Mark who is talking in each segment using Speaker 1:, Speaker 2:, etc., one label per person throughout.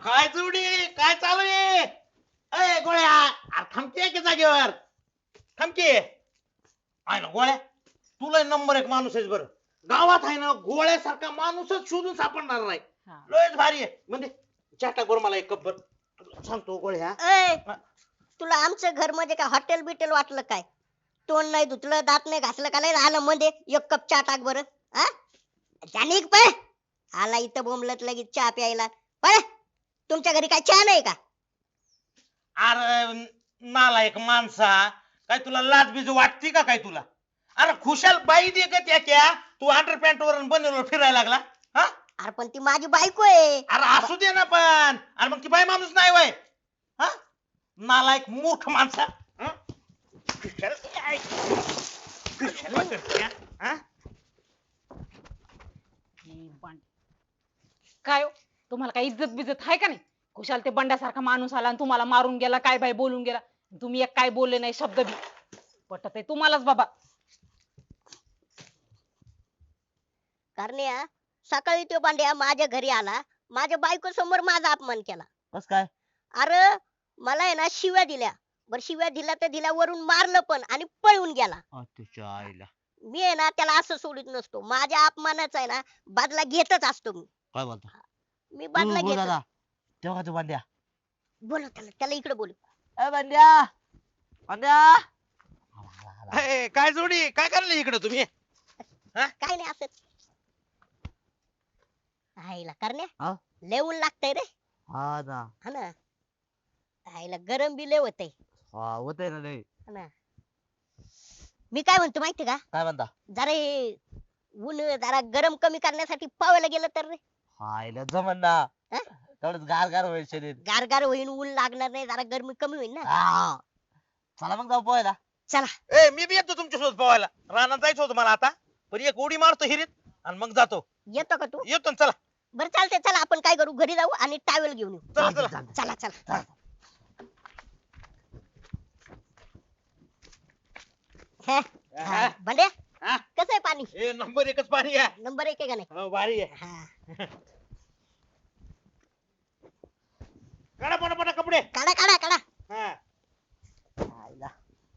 Speaker 1: काय जोडी काय चालू आहे? अय गोळ्या अरे थांबते की जागेवर थांबके आहे ना गोळ्या तुला नंबर एक माणूस आहेस बरं गावात आहे ना गोळ्यासारखा माणूसच शोधून सापडणार नाही.
Speaker 2: हा.
Speaker 1: लयच भारी आहे म्हणजे चाटा करून मला एक कप भर सांगतो गोळ्या.
Speaker 3: ऐ तुला आमचं घर म्हणजे काय हॉटेल बिटेल वाटलं काय? तोंड नाही धुतलं दात नाही घासलं का लय राहिलं मध्ये एक कप चहा टाक बरं. हा जानिक पळ आला इथं बोंबलत लगेच चहा प्यायला. पळ तुमच्या घरी काय चहा नाही का?
Speaker 1: अरे नालायक माणसा काय तुला लाज बीज वाटती का काय तुला? अरे खुशाल बाई दे का त्या क्या तू अंडरपॅन्ट वर बनवलं फिरायला लागला हा?
Speaker 3: अरे पण ती माझी बायको आहे.
Speaker 1: अरे असू दे ना पण अरे मग ती बाई माणूस नाही वय हा नालायक मूर्ख माणसा हं? कशाला करते, हा?
Speaker 2: काय हो? तुम्हाला काय इज्जत बिज्जत आहे का नाही? खुशाल ते बंड्यासारखा माणूस आला आणि तुम्हाला मारून गेला काय बाय बोलून गेला. तुम्ही एक काय बोलले नाही शब्द बी पटत आहे तुम्हालाच बाबा.
Speaker 3: करण्या सकाळी तो पांड्या माझ्या घरी आला माझ्या बायको समोर माझा अपमान केला.
Speaker 1: बस काय
Speaker 3: अरे मला आहे ना शिव्या दिल्या. बर शिव्या दिल्या तर दिल्या वरून मारलं पण आणि पळून गेला.
Speaker 1: तुझ्या आईला
Speaker 3: मी आहे ना त्याला असं सोडित नसतो. माझ्या अपमानाचा आहे ना बदला घेतच असतो मी.
Speaker 1: काय बोलतो
Speaker 3: मी बदला घेत.
Speaker 1: तेव्हा तू भांड्या
Speaker 3: बोलव त्याला इकडे बोलू.
Speaker 1: भांड्या भांड्या काय जोडी काय करले इकडे तुम्ही?
Speaker 3: काय नाही असंच. आईला करण्या
Speaker 1: हा?
Speaker 3: लय ऊन लागतंय रे.
Speaker 1: हा ना
Speaker 3: हा ना आईला गरम बी लय होतंय.
Speaker 1: हा होतंय ना नाही
Speaker 3: हा ना मी काय म्हणतो माहिती का?
Speaker 1: काय म्हणता?
Speaker 3: जरा हे ऊन जरा गरम कमी करण्यासाठी पावायला गेलं तर रे.
Speaker 1: हायला जमन ना
Speaker 3: हा?
Speaker 1: तेवढंच गार गार होईल शरीर.
Speaker 3: गारगार होईल ऊन लागणार नाही जरा गरमी कमी होईल ना.
Speaker 1: हा. चला मग जाऊ पोहायला.
Speaker 3: चला
Speaker 1: ए मी बी येतो तुमच्यासोबत पोहायला रानात जायचं होतं मला आता पण एक उडी मारतो हिरीत आणि मग जातो.
Speaker 3: येतो का तू?
Speaker 1: येतो ना चला
Speaker 3: बरं चालतंय चला आपण काय करू घरी जाऊ आणि टावेल घेऊन येऊ.
Speaker 1: चला चला
Speaker 3: चला चला हे,
Speaker 1: हा.
Speaker 3: बंड्या
Speaker 1: हा?
Speaker 3: कसं आहे पाणी?
Speaker 1: ए नंबर एकच पाणी आहे.
Speaker 3: नंबर 1 आहे का नाही?
Speaker 1: हो भारी आहे.
Speaker 3: हा.
Speaker 1: काढा पटापटा कपडे.
Speaker 3: काढा काढा काढा.
Speaker 1: हा.
Speaker 3: आईला.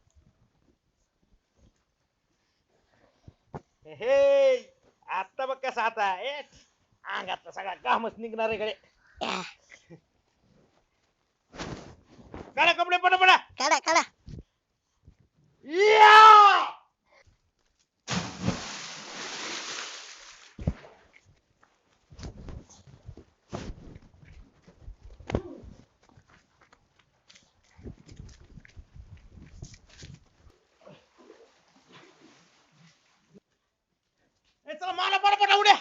Speaker 1: हे आता बघ कसा आता अंगातला सगळा घामच निघणार आहे कडे.
Speaker 3: या,
Speaker 1: काढा कपडे पटापटा.
Speaker 3: काढा काढा.
Speaker 1: या! ए, चला मला पटापटा उड्या.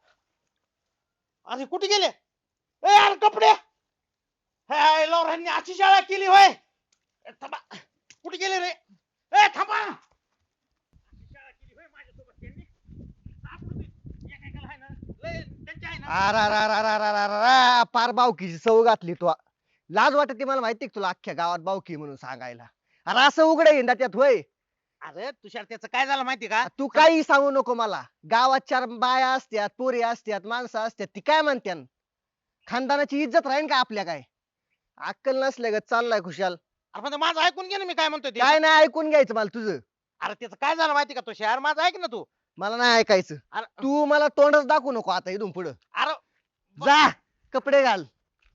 Speaker 1: अरे कुठे गेले? ए यार कपडे. हाय लवरांनी अशी शाळा केली होय. ए, थांबा कुठे गेले रे? ए थांबा. अशी शाळा केली होय माझ्यासोबत त्यांनी. सापडू दे. एकेकाला आहे ना, लय त्यांची आहे ना.
Speaker 4: अरा पार बावकीची सवय घातली तू. लाज वाटते मला माहिती तुला अख्ख्या गावात बावकी म्हणून सांगायला. अरे असं उघड हिंडा त्यात होय.
Speaker 1: अरे तुषार त्याचं काय झालं माहिती का?
Speaker 4: तू काही सांगू नको मला. गावात 4 बाया असत्यात पोरी असत्यात माणसं असत्यात ती काय म्हणत्यान? खानदानाची इज्जत राहीन का आपल्या काय? अक्कल नसल्या ग चाललाय खुशाल.
Speaker 1: अरे पण माझं ऐकून घे ना मी काय म्हणतोय ते.
Speaker 4: काय नाही ऐकून घ्यायचं मला तुझं.
Speaker 1: अरे त्याचं काय झालं माहिती का तुषार माझं ऐक ना तू.
Speaker 4: मला नाही ऐकायचं.
Speaker 1: अरे
Speaker 4: तू मला तोंडच दाखवू नको आता इथून पुढं.
Speaker 1: अरे
Speaker 4: जा कपडे घाल.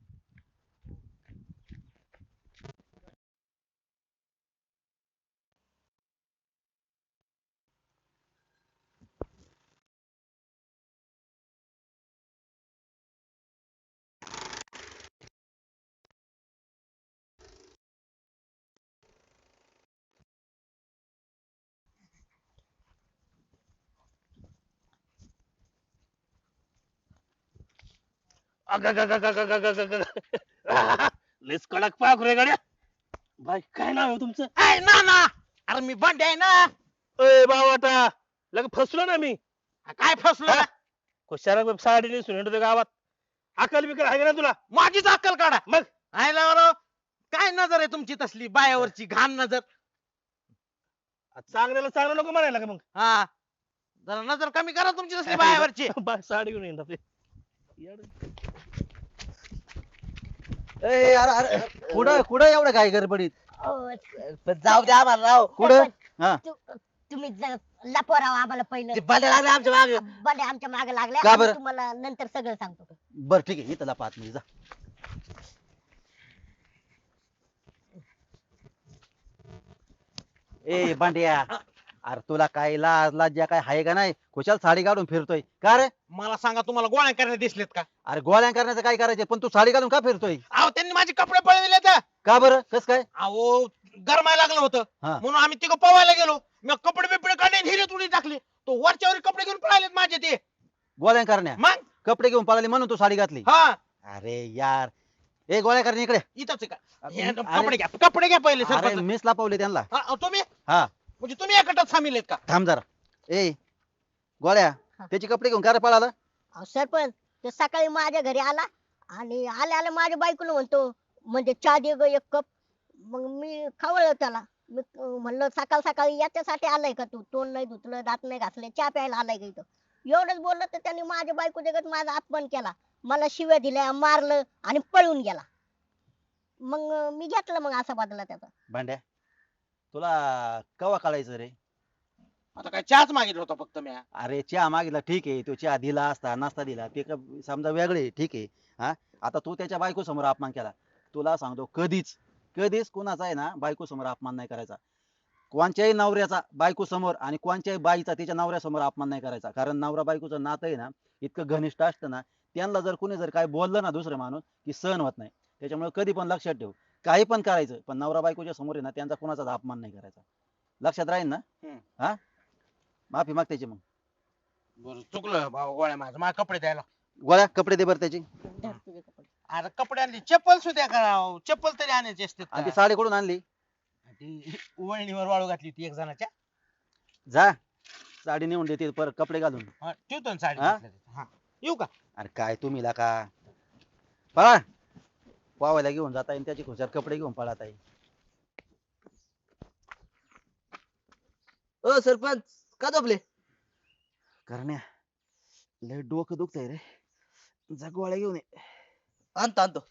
Speaker 1: लेस कडक पाक रे गड्या. भाई काय नाव आहे तुमचं? ऐ ना ना अरे मी बंड आहे ना.
Speaker 5: ए बावाटा लग फसलो ना मी.
Speaker 1: काय फसलो
Speaker 5: हा? खुशारा साडी नेसून हिंडतो गावात. अकल बिकल आहे का ना तुला?
Speaker 1: माझीच अक्कल काढा.
Speaker 5: मग
Speaker 1: आयला बरं काय नजर आहे तुमची तसली बायावरची घाण नजर.
Speaker 5: चांगल्याला चांगलं नको म्हणायला का मग?
Speaker 1: हा जरा नजर कमी करा तुमची तसली बायावरची.
Speaker 5: साडी घेऊन येतात ते. येडं.
Speaker 6: ए, अरे अरे कुठं कुठं एवढं काय गडबडीत
Speaker 3: अहो,
Speaker 6: पण जाऊ द्या आम्हाला राव
Speaker 4: कुठं
Speaker 3: सरपंच,
Speaker 4: हा
Speaker 3: तुम्ही लपवा राव आम्हाला पहिलं
Speaker 6: ते भांडे लागले आमच्या मागे
Speaker 3: बंड्या आमच्या मागे लागल्या
Speaker 4: का
Speaker 3: आम्ही
Speaker 4: बरं?
Speaker 3: तुम्हाला नंतर सगळं सांगतो.
Speaker 4: बर ठीक आहे इथं लपा आतमध्ये जा. ए बांड्या अरे तुला काय लाज लाज्या काय हाय का नाही खुशाल साडी काढून फिरतोय का रे?
Speaker 1: मला सांगा तुम्हाला गोळ्या करण्यात दिसलेत का?
Speaker 4: अरे गोळ्या करण्याचं काय करायचं पण तू साडी घालून का फिरतोय?
Speaker 1: अहो त्यांनी माझे कपडे पळविले तर.
Speaker 4: का बरं कस काय?
Speaker 1: अहो गरमायला लागलं होतं
Speaker 4: हा.
Speaker 1: म्हणून आम्ही तिघं पवायला गेलो. मी कपडे बिपडे काढले हिरे तुडी टाकले. तो वरच्यावर कपडे घेऊन पळालेत माझे ते.
Speaker 4: गोळ्या करण्या
Speaker 1: मग
Speaker 4: कपडे घेऊन पळाले म्हणून तू साडी घातली?
Speaker 1: हा
Speaker 4: अरे यार ए गोळ्या करण्या इकडे.
Speaker 1: इथंच आहे का? हे
Speaker 4: अरे-
Speaker 1: कपडे घ्या कपडे घ्या पहिले
Speaker 4: अरे
Speaker 1: सरपंच.
Speaker 4: मीच लपवले त्यांना.
Speaker 1: हा, तुम्ही
Speaker 4: हा
Speaker 1: म्हणजे तुम्ही या गटात सामील आहेत का?
Speaker 4: थांब जरा. ए गोळ्या
Speaker 3: हा.
Speaker 4: त्याचे कपडे घेऊन का रे पळाला?
Speaker 3: अहो, सरपंच तो सकाळी माझ्या घरी आला आणि आल्या आल्या माझ्या बायकोला म्हणतो म्हणजे चहा दे ग एक कप. मग मी खवळलं त्याला. मी म्हणलं सकाळ सकाळी याच्यासाठी आलाय का तू? तोंड नाही धुतलं दात नाही घासले चहा प्यायला आलाय का इथं? एवढंच बोललं तर त्यांनी माझ्या बायको देखत माझा अपमान केला. मला शिव्या दिल्या मारलं आणि पळून गेला. मग मी घेतलं मग असा बदला त्याचा.
Speaker 4: भांड्या तुला कवा कळायचं रे?
Speaker 1: आता काय चहाच मागितला होता फक्त मी.
Speaker 4: अरे चहा मागितला ठीक आहे तो चहा दिला असता नाश्ता दिला ते समजा वेगळे ठीक आहे. हा आता तू त्याच्या बायको समोर अपमान केला. तुला सांगतो कधीच कधीच कुणाचा आहे ना बायको समोर अपमान नाही करायचा. कोणत्याही नवऱ्याचा बायको समोर आणि कोणत्याही बाईचा तिच्या नवऱ्यासमोर अपमान नाही करायचा. कारण नवरा बायकोचं नातं आहे ना इतकं घनिष्ठ असतं ना त्यांना जर कोणी जर काय बोललं ना दुसरं माणूस की सहन होत नाही. त्याच्यामुळे कधी पण लक्षात ठेव काही पण करायचं पण नवरा बायकोच्या समोर आहे ना त्यांचा कुणाचाच अपमान नाही करायचा. लक्षात राहील ना? हा माफी माग त्याची. मग
Speaker 1: बरं चुकलं भाऊ गोळ्या माझं मला कपडे द्यायला.
Speaker 4: गोळ्या कपडे दे बरं त्याची.
Speaker 3: धर तुझे कपडे.
Speaker 1: अरे कपडे आणले चप्पल सुद्धा करावं चप्पल तरी आणायची असते.
Speaker 4: आणि ती साडी कुठून आणली?
Speaker 1: ती वळणीवर वाळू घातली होती एक जणाच्या.
Speaker 4: जा साडी नेऊन देते परत कपडे घालून.
Speaker 1: हा, ठेवतो ना साडी
Speaker 4: हा?
Speaker 1: घेतल्या तिथं. हा येऊ का?
Speaker 4: अरे काय तुम्ही ला का पळा पावायला घेऊन जाता येईल त्याची खुशाल कपडे घेऊन पळत आहे.
Speaker 6: ओ सरपंच का झोपले?
Speaker 4: करण्या लय डोकं दुखतंय रे जा गोळ्या घेऊन ये.
Speaker 6: आणतो आणतो.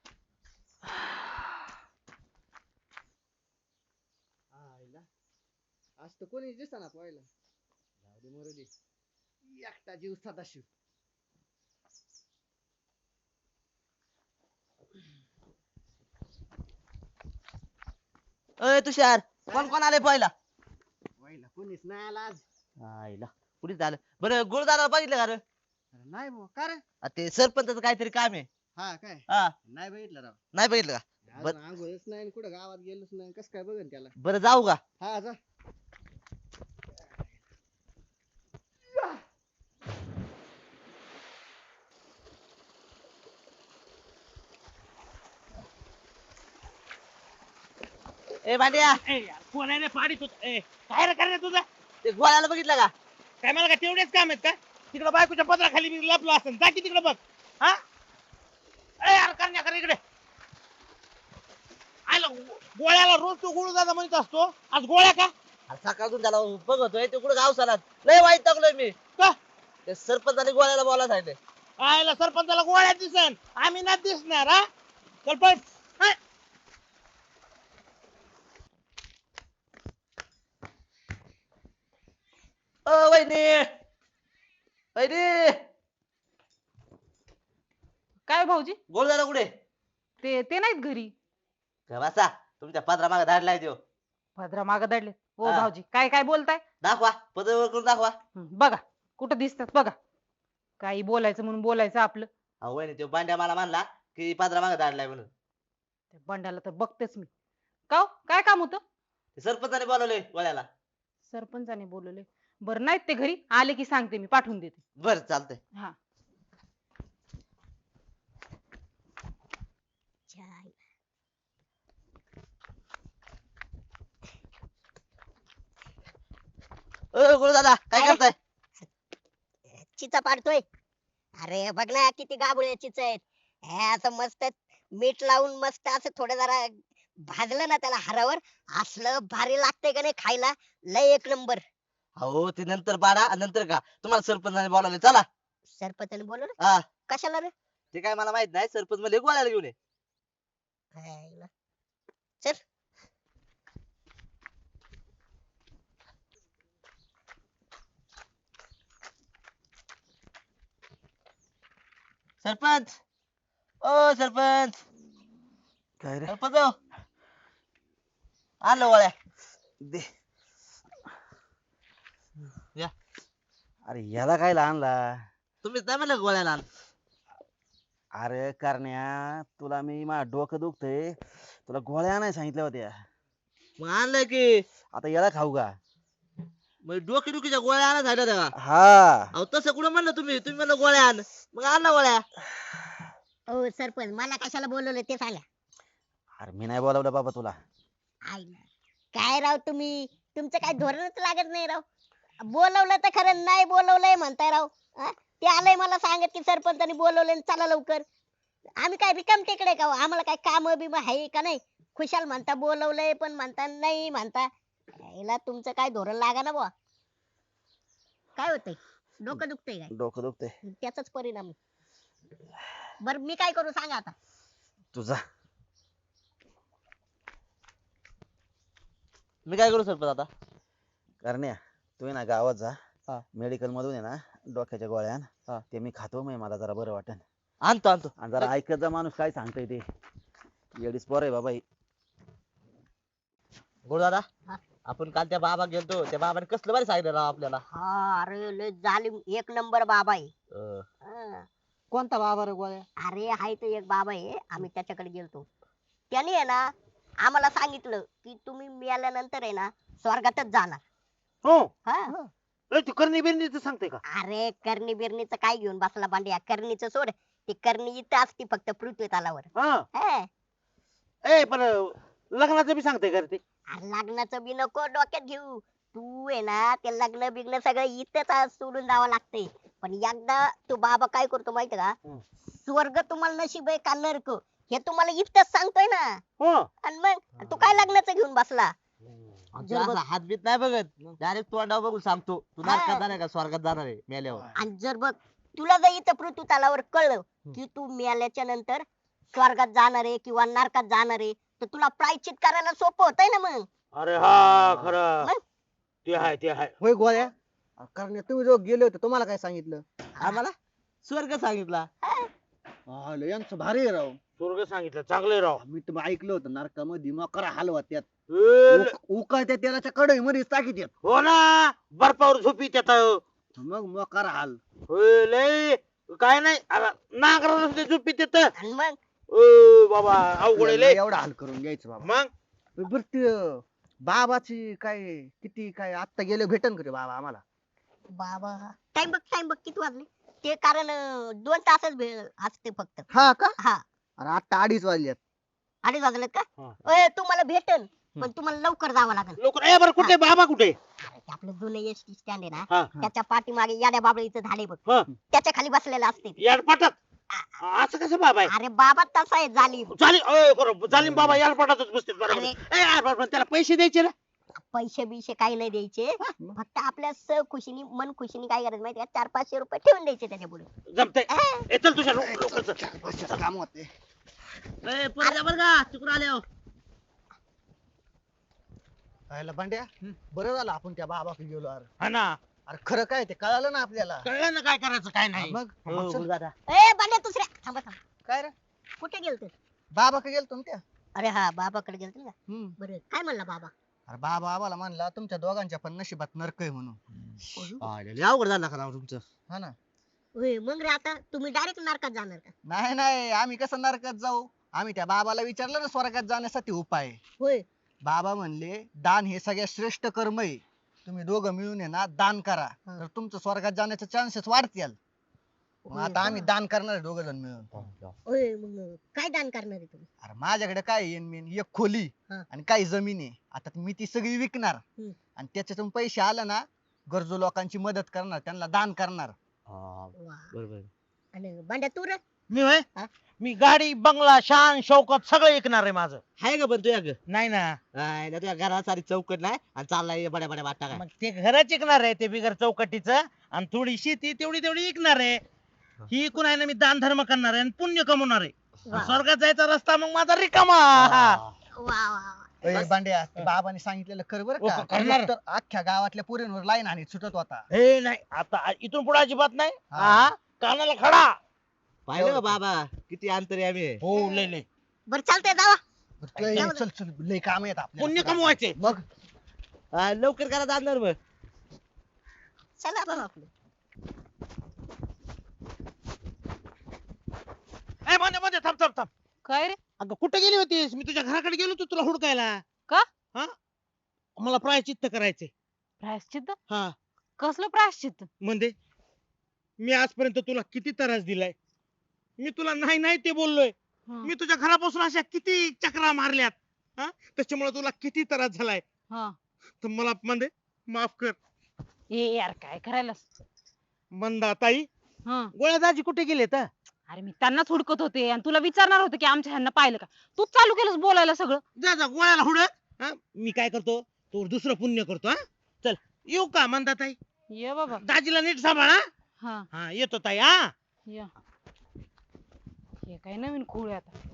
Speaker 4: आज तर कोणी दिसना पाहिलं. जाऊ दे मरू दे एकटा जीव सदाशिव.
Speaker 6: अय तुषार कोण कोण आले पहिला?
Speaker 4: पहिला कोणीच नाही आला आज.
Speaker 6: आईला कुठे झालं बरं गुरुदारा बघितलं का रे?
Speaker 4: अरे नाही भाऊ का रे?
Speaker 6: ते सरपंचाचं काहीतरी काम आहे.
Speaker 4: हा काय
Speaker 6: हा
Speaker 4: नाही बघितलं राव.
Speaker 6: नाही बघितलं का?
Speaker 4: अजून आंघोळच नाही आणि कुठं गावात गेलोच नाही कस काय बघन त्याला.
Speaker 6: बरं जाऊ का?
Speaker 4: हा जा.
Speaker 6: ए भांड्या
Speaker 1: ए यार, कोण आहे रे पाडीत होत? ए, काय रे करण्या तुझं?
Speaker 6: ते गोळ्याला बघितलं का?
Speaker 1: काय मला काय तेवढेच काम आहेत का? तिकडे बायकोच्या पदराखाली मी लपलो असेल जा की तिकडे बघ. हा ए यार करण्या कर इकडे. आयला गोळ्याला रोज तो गोळू दादा म्हणत असतो आज गोळ्या का?
Speaker 6: अरे सकाळून त्याला बघतोय ते कुठं गाव चालत लय वाईट टाकलोय मी.
Speaker 1: का?
Speaker 6: ते सरपंचाने गोळ्याला बोलायला सांगितलंय.
Speaker 1: आयला सरपंचाला गोळ्या दिसन आम्ही नाही दिसणार. हा चल पण हा.
Speaker 6: ओ वहिनी वहिनी
Speaker 2: काय भाऊजी?
Speaker 6: गोळ झाला कुठे?
Speaker 2: ते नाहीत घरी.
Speaker 6: का बसा तुमच्या पदरा मागे धाडलाय देव.
Speaker 2: भद्रा माग दडले. ओ
Speaker 6: हा.
Speaker 2: भाऊजी काय काय बोलताय?
Speaker 6: दाखवा पदर करून दाखवा.
Speaker 2: बघा कुठं दिसतात बघा. काही बोलायचं म्हणून बोलायचं आपलं.
Speaker 6: अहो वहिनी तो बांड्या मला म्हणला की पदरा मागे धाडलाय म्हणून.
Speaker 2: त्या बंडाला तर बघतेच मी. का हो? काय काम होतं?
Speaker 6: ते सरपंचाने बोलवलंय गोळ्याला.
Speaker 2: सरपंचाने बोलवले. बरं नाहीत ते घरी आले की सांगते मी पाठवून देते.
Speaker 6: बर चालतंय.
Speaker 2: हा
Speaker 3: छान.
Speaker 6: ओ गुरु दादा काय
Speaker 3: काय?
Speaker 6: करताय?
Speaker 3: चिचा पाडतोय. अरे बघ ना किती गाबुळे चिच आहेत. हे असं मस्त मीठ लावून मस्त असं थोडं जरा भाजलं ना त्याला हारावर असलं भारी लागतंय का नाही खायला. लय एक नंबर.
Speaker 6: अहो ते नंतर पाडा आणि नंतर का तुम्हाला सरपंचाने बोलावले चला.
Speaker 3: सरपंचाने बोलवलं
Speaker 6: हा
Speaker 3: कशाला रे?
Speaker 6: ते काय मला माहित नाही सरपंच मध्ये गोळ्याला घेऊन ये.
Speaker 3: हायला. चल.
Speaker 6: सरपंच ओ सरपंच
Speaker 4: काय रे
Speaker 6: सरपंच हो. आलो गोळ्या
Speaker 4: दे
Speaker 6: या
Speaker 4: अरे याला काय आणला
Speaker 6: तुम्हीच नाही म्हणलं गोळ्याला आण.
Speaker 4: अरे करण्या तुला मी माझं डोकं दुखतंय तुला गोळ्या नाही सांगितल्या होत्या
Speaker 6: मग आणलं की
Speaker 4: आता याला खाऊ का
Speaker 6: मग डोकी डुकीच्या गोळ्या आणा झाल्या तेव्हा.
Speaker 4: हा
Speaker 6: अहो तसं कुठं म्हणलं तुम्ही तुम्ही म्हणलं गोळ्या आण मग आणला गोळ्या.
Speaker 3: ओ सरपंच मला कशाला बोलवलं ते सांगा.
Speaker 4: अरे मी नाही बोलावलं बाबा तुला
Speaker 3: आईला. काय राव तुम्ही तुमचं काय धोरणच लागत नाही राव. बोलवलं तर खरं नाही बोलवलंय म्हणताय राव. हा? ते आलंय मला सांगत की सरपंचानी बोलवलंय चला लवकर. आम्ही काय रिकाम टेकडे का हो? आम्हाला काय काम बिम आहे का नाही. खुशाल म्हणता बोलवलंय पण म्हणता नाही म्हणता. याला तुमचं काय धोरण लागा ना बुवा. काय होतंय डोकं दुखतंय काय
Speaker 4: डोकं दुखतंय
Speaker 3: त्याचाच परिणाम आहे. बर मी काय करू सांगा आता.
Speaker 4: तुझा
Speaker 6: मी काय करू सरपंच आता.
Speaker 4: करण्या तू आहे ना गावात जा
Speaker 6: हा.
Speaker 4: मेडिकल मधून आहे ना डोक्याच्या गोळ्या आण.
Speaker 6: हा.
Speaker 4: ते मी खातो मग मला जरा बरं वाटेल
Speaker 6: आणतो आणतो.
Speaker 4: आणि जरा ऐकत जा माणूस काय सांगतोय ते येडीच पोर आहे बाबा ही.
Speaker 6: गोड दादा
Speaker 3: हा.
Speaker 6: आपण काल त्या बाबा गेलतो त्या बाबाने कसलं भारी सांगितलं राव आपल्याला.
Speaker 3: हा अरे लय जालिम एक नंबर बाबा आहे.
Speaker 6: अं,
Speaker 3: हा.
Speaker 6: कोणता बाबा रे गोळ्या.
Speaker 3: अरे हाय तो एक बाबा आहे आम्ही त्याच्याकडे गेलतो. त्याने आहे ना आम्हाला सांगितलं की तुम्ही मेल्यानंतर आहे ना स्वर्गातच जाणार.
Speaker 1: हो
Speaker 3: हा.
Speaker 1: तू करणी बिरणीचं सांगते का
Speaker 3: अरे करणी बिरणीचं काय घेऊन बसला बांड्या करणीचं सोड. ती करणी इथं असती फक्त पृथ्वी तलावर.
Speaker 1: हा
Speaker 3: हा.
Speaker 1: ए पण लग्नाचं बी सांगते का रे ते
Speaker 3: अरे लग्नाचं बी नको डोक्यात घेऊ. तू आहे ना ते लग्न बिग्न सगळं इथंच आज सोडून जावं लागतंय. पण एकदा तो बाबा काय करतो माहिती का
Speaker 1: हं.
Speaker 3: स्वर्ग तुम्हाला नशीब आहे का नरक हे तुम्हाला इथंच सांगतोय ना.
Speaker 1: हो
Speaker 3: आणि मग तू काय लग्नाचं घेऊन बसला.
Speaker 6: आमचा असा हात बीत नाही बघत डायरेक्ट तोंडावर बघून सांगतो तू
Speaker 3: हा.
Speaker 6: नरकात जाणार का स्वर्गात जाणार आहे मेल्यावर.
Speaker 3: आणि जर बघ तुला जर इथं पृथ्वी तलावर कळलं की तू मेल्याच्या नंतर स्वर्गात जाणार आहे किंवा नरकात जाणार आहे तर तुला प्रायश्चित करायला सोपं होतंय ना मग.
Speaker 1: अरे हा खरं
Speaker 3: मग?
Speaker 1: ते आहे ते आहे
Speaker 7: होय गोळ्या कारण तुम्ही जो गेले होते तुम्हाला काय सांगितलं
Speaker 6: आम्हाला स्वर्ग सांगितला.
Speaker 7: यांचं भारी आहे राव
Speaker 1: स्वर्ग सांगितलं चांगले राव
Speaker 7: मी तर ऐकलं होतं नरकामध्ये मकरा हलवा त्यात
Speaker 1: ए,
Speaker 7: उकळत्या तेलाच्या कढई मध्ये टाकीत येत
Speaker 1: हो ना बर्फावर झोपी त्यात
Speaker 7: मग मकरा हाल
Speaker 1: लय काय नाही नांगराला सुद्धा झोपी त्यात
Speaker 3: आणि मग
Speaker 1: बाबा अवघड आहे लय
Speaker 7: एवढा हाल करून घ्यायचं बाबा
Speaker 1: मग
Speaker 7: बर ते बाबाची काय किती काय आत्ता गेले भेटन का रे बाबा आम्हाला
Speaker 3: बाबा टाइम बघ किती वाजले ते कारण 2 तासच असते फक्त.
Speaker 7: हा का
Speaker 3: हा
Speaker 7: अरे आत्ता 2:30 वाजल्यात
Speaker 3: 2:30 वाजलेत का.
Speaker 1: हा.
Speaker 3: ओय तुम्हाला भेटन पण तुम्हाला लवकर जावं लागेल.
Speaker 1: लोक ए बरं कुठे बाबा कुठे
Speaker 3: अरे ते आपलं जुनं एसटी स्टँड आहे
Speaker 1: हा.
Speaker 3: ना त्याच्या पाठीमागे याड्या बाबळीचं झाड आहे बघ
Speaker 1: हा.
Speaker 3: त्याच्या खाली बसलेलं असते.
Speaker 1: याडपाटात असं कसं बाबा आहे
Speaker 3: अरे बाबा तसा आहे जालिम.
Speaker 1: जालीम बाबा याडपाटातच बसते बरोबर
Speaker 3: अरे.
Speaker 1: ए यार बरोबर त्याला पैसे द्यायचे ना
Speaker 3: पैसे बिशे काही नाही द्यायचे फक्त आपल्या खुशीनी मन खुशीनी काय करायचं माहिती 400-500 रुपये ठेवून द्यायचे त्याच्या पुढे.
Speaker 1: जमतंय चल तुझ्या लोकांचं
Speaker 7: काम होते
Speaker 6: ए, परत या बरं का तिकडून आले हो.
Speaker 7: खायला भांड्या बरं झालं आपण त्या बाबाकडे गेलो
Speaker 1: हा ना
Speaker 7: अरे खरं काय ते कळालं ना आपल्याला
Speaker 1: कळलं ना काय करायचं काय नाही
Speaker 7: मग
Speaker 6: हो,
Speaker 7: चल.
Speaker 6: गुरु दादा
Speaker 3: ए बांड्या दुसऱ्या थांबा
Speaker 7: काय रे
Speaker 3: कुठे गेलते.
Speaker 7: बाबाकडे गेलतो ना त्या
Speaker 3: अरे हा बाबाकडे गेलते का
Speaker 7: हम्म.
Speaker 3: बरं काय म्हणला बाबा.
Speaker 7: अरे बाबा आम्हाला म्हणला तुमच्या दोघांच्या पण नशिबात नरक आहे म्हणून
Speaker 6: लय अवघड झालं का राव तुमचं.
Speaker 7: हा ना
Speaker 3: होय मग रे आता तुम्ही डायरेक्ट नरकात जाणार का.
Speaker 7: नाही नाही आम्ही कसं नरकात जाऊ आम्ही त्या बाबाला विचारलं ना स्वर्गात जाण्यासाठी उपाय
Speaker 3: होय
Speaker 7: बाबा म्हणले दान हे सगळ्यात श्रेष्ठ कर्म आहे तुम्ही दोघं मिळून आहे ना दान करा
Speaker 3: हा.
Speaker 7: तर तुमचं स्वर्गात जाण्याचे चान्सेस वाढतील मग
Speaker 3: होय
Speaker 7: आता
Speaker 3: का?
Speaker 7: आम्ही दान करणार दोघ जण मिळून
Speaker 3: होय मग काय दान करणार आहे तुम्ही.
Speaker 7: अरे माझ्याकडे काय येईन मेन एक खोली
Speaker 3: हा.
Speaker 7: आणि काही जमीन आहे आता मी ती सगळी विकणार
Speaker 3: हम्म.
Speaker 7: आणि त्याच्यातून पैसे आले ना गरजू लोकांची मदत करणार त्यांना दान करणार
Speaker 3: वा.
Speaker 6: बरोबर.
Speaker 3: आणि बांड्या तू रे.
Speaker 1: मी होय
Speaker 3: हा?
Speaker 1: मी गाडी बंगला शान शौकत सगळं ऐकणार आहे माझं
Speaker 6: हाय का पण तुझ्या ग
Speaker 1: नाही ना
Speaker 6: तुझ्या घरात सारी चौकट नाही आणि चाललाय बड्या बड्या वाटा काय.
Speaker 1: मग ते घरच ऐकणार आहे ते बिगर चौकटीचं आणि थोडी शेती तेवढी ऐकणार आहे ही ऐकून आहे ना मी दान धर्म करणार आहे आणि पुण्य कमवणार आहे
Speaker 3: वा
Speaker 1: स्वर्गात जायचा रस्ता मग माझा रिकामा.
Speaker 3: वा वा.
Speaker 7: ए, बांड्या ते बाबांनी सांगितलेलं कर बरं
Speaker 1: हो,
Speaker 7: का
Speaker 1: करणार.
Speaker 7: तर अख्ख्या गावातल्या पोरींवर लाईन आणि सुटत होता.
Speaker 1: हे नाही आता इथून पुढे अजिबात नाही.
Speaker 7: हा.
Speaker 1: हा कानाला खडा.
Speaker 6: पाहिलं का बाबा किती अंतर्यामी आहे.
Speaker 1: हो लय लय
Speaker 3: बरं चालतंय जावा.
Speaker 7: ए, चल चल लय काम आहेत
Speaker 1: पुण्य
Speaker 7: आपल्याला.
Speaker 1: कमवायचे.
Speaker 7: मग
Speaker 6: हा, लवकर करा जाणार मग.
Speaker 3: चला आपण आपलं.
Speaker 1: ए मध्ये मध्ये थांब थांब थांब.
Speaker 2: काय रे
Speaker 1: अगं कुठे गेली होतीस? मी तुझ्या घराकडे गेलो होतो तुला हुडकायला.
Speaker 2: का?
Speaker 1: हा मला प्रायश्चित्त करायचे.
Speaker 2: प्रायश्चित्त
Speaker 1: हा
Speaker 2: कसलं प्रायश्चित्त
Speaker 1: म्हणजे मी आजपर्यंत तुला किती त्रास दिलाय. मी तुला नाही नाही ते बोललोय.
Speaker 2: हा,
Speaker 1: मी तुझ्या घरापासून अशा किती चक्रा मारल्यात. हा त्याच्यामुळे तुला किती त्रास झालाय.
Speaker 2: हा.
Speaker 1: तर मला म्हणजे माफ कर.
Speaker 2: ए यार काय करायला
Speaker 1: मंदाताई
Speaker 2: हा
Speaker 1: गोळ्या दाजी कुठे गेलेत?
Speaker 2: अरे मी त्यांनाच हुडकत होते आणि तुला विचारणार होते की आमच्या ह्यांना पाहिलं का तूच चालू केलंस बोलायला सगळं.
Speaker 1: जा जा गोळ्याला हुडक. हा मी काय करतो तो दुसरं पुण्य करतो. हा चल येऊ का मंदाताई?
Speaker 2: ये बाबा.
Speaker 1: दाजीला नीट सांभाळा.
Speaker 2: हा
Speaker 1: हा येतो ताई. हा
Speaker 2: या हे काय नवीन खूळ आहे आता.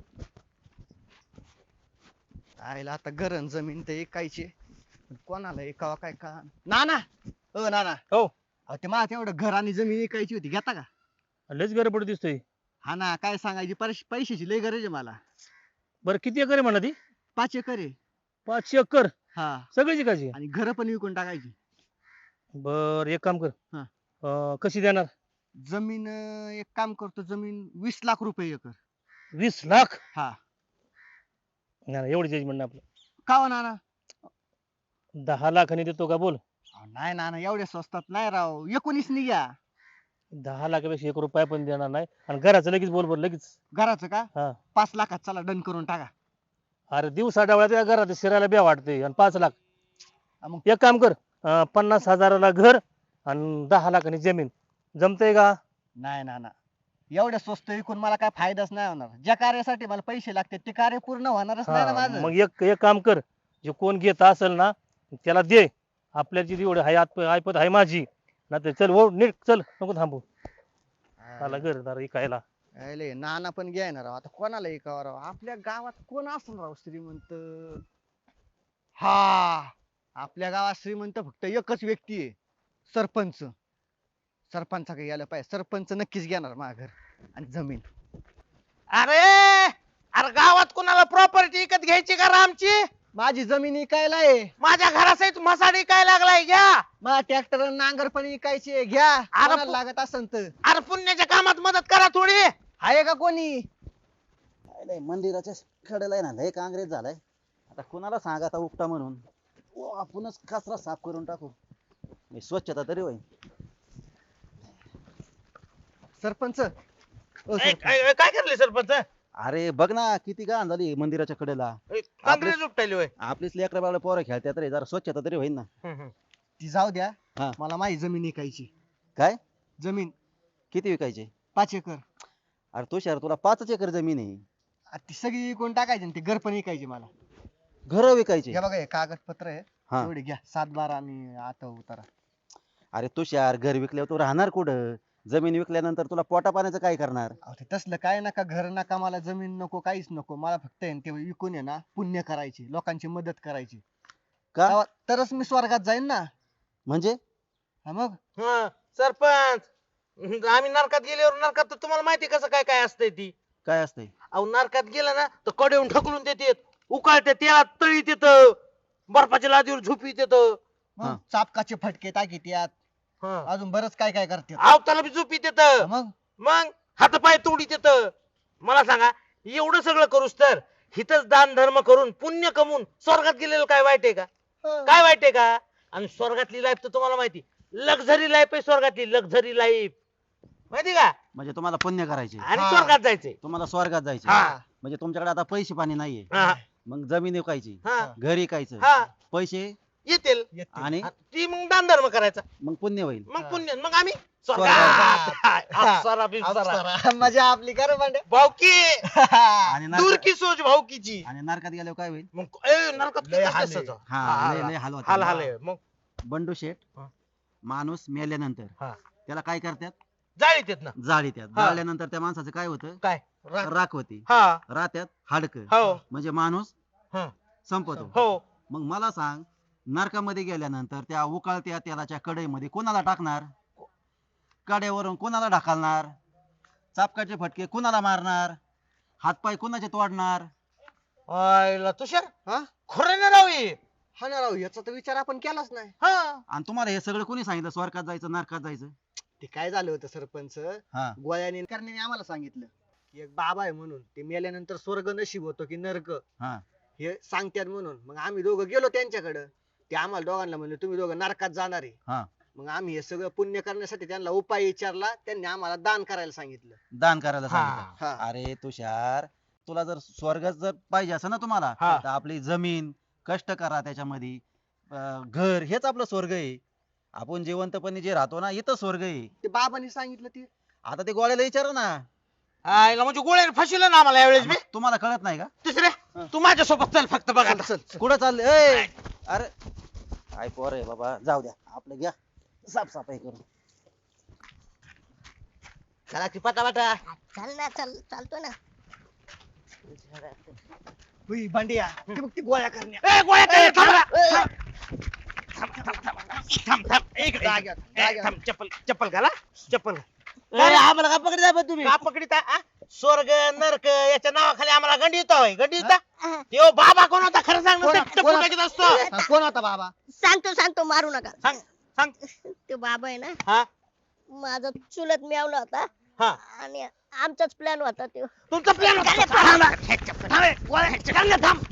Speaker 7: आईला आता गरण जमीन ते ऐकायची कोणाला ऐकावा काय का नाना नाना
Speaker 5: हो.
Speaker 7: अहो, ते मला तेवढं घर आणि जमीन ऐकायची होती घेता का?
Speaker 5: लयच गडबड दिसतोय.
Speaker 7: हा ना काय सांगायची पैशाची लय गरज आहे मला.
Speaker 5: बरं किती एकर आहे म्हणा ती?
Speaker 7: 5 एकर आहे.
Speaker 5: 5 एकर
Speaker 7: हा
Speaker 5: सगळी जिकायची.
Speaker 7: आणि घर पण विकून टाकायची.
Speaker 5: बर एक काम कर.
Speaker 7: हा.
Speaker 5: कशी देणार?
Speaker 7: जमीन एक काम करतो जमीन 20 लाख रुपये एकर.
Speaker 5: 20 लाख?
Speaker 7: हा
Speaker 5: नाही नाही, एवढी जजमेंट आपलं.
Speaker 7: का हो नाना?
Speaker 5: 10 लाखांनी देतो का बोल?
Speaker 7: अहो, नाही नाना एवढ्या स्वस्तात नाही राव 19 नि घ्या.
Speaker 5: 10 लाखापेक्षा 1 रुपया पण देणार नाही आणि घराचं लगेच बोल बर लगेच.
Speaker 7: घराचं का?
Speaker 5: हा
Speaker 7: 5 लाखात चला डन करून टाका.
Speaker 5: अरे दिवसा डावळ्या त्या घरात शिरायला बे वाटते आणि 5 लाख.
Speaker 7: हा, मग
Speaker 5: एक काम कर 50,000ला घर आणि 10 लाखांनी जमीन जमतंय का?
Speaker 7: नाही नाना एवढ्या स्वस्त विकून मला काय फायदाच नाही होणार. ज्या कार्यासाठी मला पैसे लागतात ते कार्य पूर्ण होणारच नाही ना
Speaker 5: हा,
Speaker 7: माझं.
Speaker 5: मग एक काम कर जे कोण घेत असेल ना त्याला दे. आपल्याची एवढी हाय ऐपत आहे माझी ना तर चल हो नीट चल नको थांबू. आला घरदार इकायला.
Speaker 7: अरे नाना पण घ्याय ना राव आता कोणाला ऐकावं राव आपल्या गावात कोण असेल राव श्रीमंत. हा आपल्या गावात श्रीमंत फक्त एकच व्यक्ती आहे सरपंच. सरपंचाकडे गेलं पाहिजे. सरपंच नक्कीच घेणार माझं घर आणि जमीन.
Speaker 1: अरे अरे गावात कोणाला प्रॉपर्टी विकत घ्यायची का रामची?
Speaker 7: माझी जमीन इकायला आहे.
Speaker 1: माझ्या घरासहित मसाडी काय लागलाय घ्या.
Speaker 7: माझा ट्रॅक्टर नांगर पण इकायची आहे. घ्या कोणाला लागत असेल तर.
Speaker 1: अरे पुण्याच्या कामात मदत करा थोडी.
Speaker 7: आहे का कोणी?
Speaker 4: काय नाही मंदिराच्या कडेला आहे ना लय काँग्रेस झालाय. आता कुणाला सांगा आता उपटा म्हणून. आपणच कचरा साफ करून टाकू. मी स्वच्छता तरी होईल.
Speaker 7: सरपंच ओ
Speaker 1: ए,
Speaker 7: सरपंच.
Speaker 1: काय करले सरपंच?
Speaker 4: अरे बघ ना किती घाण झाली मंदिराच्या कडेला.
Speaker 1: काँग्रेस उपटायली होय.
Speaker 4: आपलीच लेकरा बाळा पोरं खेळतात रे जरा स्वच्छता तरी होईल ना.
Speaker 7: ती जाऊ द्या.
Speaker 4: हा.
Speaker 7: मला माझी जमीन इकायची.
Speaker 4: काय
Speaker 7: जमीन
Speaker 4: किती विकायचे?
Speaker 7: 5 एकर.
Speaker 4: अरे तो शहर तुला 5 एकर जमीन आहे.
Speaker 7: ती सगळी विकून टाकायची आणि ते घर पण विकायचे मला.
Speaker 4: घर विकायचे?
Speaker 7: हे बघा हे कागदपत्र आहे.
Speaker 4: हा.
Speaker 7: एवढे घ्या 7-12 आणि आता उतारा.
Speaker 4: अरे तो शहर घर विकल्यावर तू राहणार कुठं? जमीन विकल्यानंतर तुला पोटा पाण्याचं काय करणार?
Speaker 7: अहो ते तसलं काय नका घर नका मला जमीन नको काहीच नको. मला फक्त आहे ना ते विकून आहे ना पुण्य करायचे लोकांची मदत करायची.
Speaker 4: का
Speaker 7: तरच मी स्वर्गात जाईन ना.
Speaker 4: म्हणजे?
Speaker 7: हा मग
Speaker 1: सरपंच आम्ही नरकात गेल्यावर नरकात तर तुम्हाला माहिती कसं काय काय असतंय ती.
Speaker 4: काय असतंय?
Speaker 1: अहो नरकात गेलं ना तर कडेऊन ढकलून देतात. उकाळते तेलात तळीत येतं. बर्फाच्या लादीवर झोपीत येतं.
Speaker 4: हा.
Speaker 7: चापकाचे फटके टाकीत यात. अजून बरंच काय काय करते.
Speaker 1: आवताला बी झोपीत येतं.
Speaker 7: मग
Speaker 1: मग हातपाय तोडीत येतं. मला सांगा एवढं सगळं करूस तर हिथच दान धर्म करून पुण्य कमवून स्वर्गात गेलेलं काय वाईट आहे का? काय वाईट आहे का? आणि स्वर्गातली लाईफ तर तुम्हाला माहिती लक्झरी लाईफ आहे. स्वर्गातली लक्झरी लाईफ माहिती का?
Speaker 4: म्हणजे तुम्हाला पुण्य करायचे,
Speaker 1: आणि
Speaker 7: हा.
Speaker 1: स्वर्गात जायचंय.
Speaker 4: तुम्हाला स्वर्गात जायचे.
Speaker 1: हा.
Speaker 4: म्हणजे तुमच्याकडे आता पैसे पाणी नाहीये.
Speaker 1: हा.
Speaker 4: मग जमीन विकायची,
Speaker 1: हा.
Speaker 4: घर विकायचं,
Speaker 1: हा.
Speaker 4: पैसे
Speaker 1: येतील
Speaker 4: आणि
Speaker 1: ती मग दान धर्म करायचा.
Speaker 4: मग पुण्य होईल.
Speaker 1: मग पुण्य मग आम्ही
Speaker 7: स्वर्गात.
Speaker 1: अप्सरा बिप्सरा.
Speaker 7: अप्सरा. मजा आपली कर भांड्या.
Speaker 1: भाऊकी
Speaker 4: आणि
Speaker 1: दूर
Speaker 4: नरकात
Speaker 1: की सोच भाऊकीची.
Speaker 4: आणि नरकात गेल्यावर काय होईल?
Speaker 1: मग नरकात
Speaker 7: लय
Speaker 1: किती
Speaker 7: हाल
Speaker 1: असतं
Speaker 7: आहे.
Speaker 1: त्याचं?
Speaker 4: हा लय हाल होतात.
Speaker 1: हाल हाल आहे. मग
Speaker 4: बंडू शेठ
Speaker 1: हा.
Speaker 4: माणूस मेल्यानंतर
Speaker 1: हा.
Speaker 4: त्याला काय करतात?
Speaker 1: जाळीत येत ना.
Speaker 4: जाळीत्यात.
Speaker 1: हा.
Speaker 4: जाळल्यानंतर त्या माणसाचं काय होतं?
Speaker 1: काय?
Speaker 4: राख होती
Speaker 1: हा
Speaker 4: रात्यात हाडक
Speaker 1: हो
Speaker 4: म्हणजे माणूस
Speaker 1: हं.
Speaker 4: संपतो
Speaker 1: हो
Speaker 4: मग मला सांग नरकामध्ये गेल्यानंतर त्या उकळत्या तेलाच्या कढईमध्ये कोणाला टाकणार कड्यावरून कोणाला ढकलणार चापकाचे फटके कोणाला मारणार हातपाय कोणाचे तोडणार
Speaker 1: आयला तुषार
Speaker 7: हा
Speaker 1: खरं ना राव हे.
Speaker 7: हा ना राव याचा तर विचार आपण केलाच नाही
Speaker 1: हा
Speaker 4: आणि तुम्हाला हे सगळं कोणी सांगितलं स्वर्गात जायचं नरकात जायचं
Speaker 7: ते काय झालं होतं सरपंच
Speaker 4: हा
Speaker 7: गोळ्याने करण्याने आम्हाला सांगितलं की एक बाबा आहे म्हणून ते मेल्यानंतर स्वर्ग नशीब होतो की नरक
Speaker 4: हा
Speaker 7: हे सांगतात म्हणून मग आम्ही दोघं गेलो त्यांच्याकडं ते आम्हाला दोघांना म्हणले तुम्ही दोघं नरकात जाणार आहे
Speaker 4: हा
Speaker 7: मग आम्ही हे सगळं पुण्य करण्यासाठी त्यांना उपाय विचारला त्यांनी आम्हाला दान करायला सांगितलं
Speaker 4: दान करायला
Speaker 1: हा.
Speaker 4: सांगितलं
Speaker 7: हा
Speaker 4: अरे तुषार तुला जर स्वर्ग जर पाहिजे असं ना तुम्हाला
Speaker 1: हा.
Speaker 4: तर आपली जमीन कष्ट करा त्याच्यामध्ये घर हेच आपलं स्वर्ग आहे आपण जिवंतपणे जे राहतो ना इथं स्वर्ग आहे
Speaker 7: ते बाबांनी सांगितलं ते
Speaker 4: आता ते गोळ्याला विचार ना
Speaker 1: आयला म्हणजे गोळ्याने फसवलं ना आम्हाला यावेळेस बी
Speaker 4: तुम्हाला कळत नाही का
Speaker 1: दुसऱ्या तू माझ्यासोबत चल फक्त बघा आता.
Speaker 4: कुठं चालले अरे काय पोर आहे बाबा जाऊ द्या आपलं घ्या साफसफाई करू
Speaker 6: चला की पटापटा
Speaker 3: चल ना चल चालतो ना
Speaker 7: हुई भांडिया ते बघ ती गोळ्या करण्या
Speaker 1: ए, गोळ्या काय थांब. थांब थांब इकडे,
Speaker 7: जाग्यावर,
Speaker 1: इकडे.
Speaker 7: जाग्यावर.
Speaker 1: थांब चप्पल चप्पल घाला चप्पल घाल.
Speaker 6: अरे आम्हाला का पकडता पण तुम्ही
Speaker 1: का पकडिता आ? स्वर्ग नरक याच्या नावाखाली आम्हाला गंडीवता होय गंडीवता त्यो बाबा कोण होता खरं सांग ना, ते चप्पल टाकीत असतो
Speaker 7: कोण होता बाबा
Speaker 3: सांगतो मारू नका
Speaker 1: सांग सांग
Speaker 3: तो बाबा आहे ना
Speaker 1: हा
Speaker 3: माझा चुलत मिळवला होता
Speaker 1: हा
Speaker 3: आणि आमचाच प्लॅन होता तो
Speaker 1: तुमचा प्लॅन होता थांब, थांब, थांब, थांब.